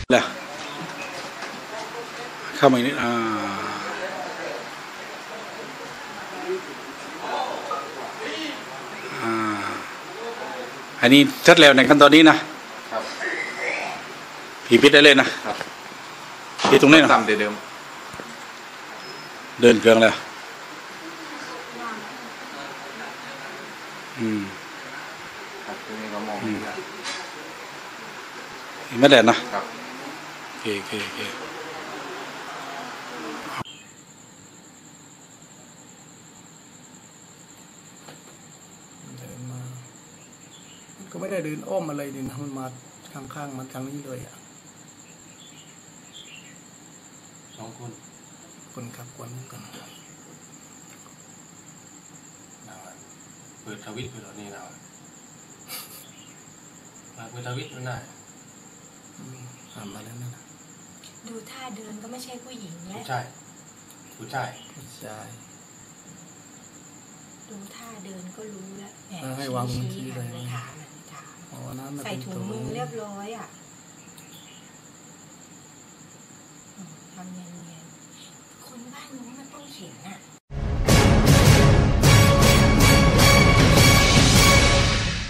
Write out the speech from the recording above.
ล่ะเข้ามาอีกนิดอันนี้ชัดแล้วในขั้นตอนนี้นะครับผีพิษได้เลยนะครับที่ตรงนี้นะตามเดิมเดินเครื่องแล้วครับตรงนี้ก็มองไม่แดดนะครับโอเคเดินมามันก็ไม่ได้เดินอ้อมอะไรดินมันมาข้างๆมันทางนี้เลย 2 คนขับคนกันเปิดทวิตไปแล้วนี่นะเปิดทวิตมันได้ทำมาแล้วนั่นดูท่าเดินก็ไม่ใช่ผู้หญิงแล้วผู้ชายดูท่าเดินก็รู้แล้วแหมให้วางมือชี้เลยถามใส่ถุงมือเรียบร้อยทำเนียนๆคนบ้านนู้นมันต้องเขียน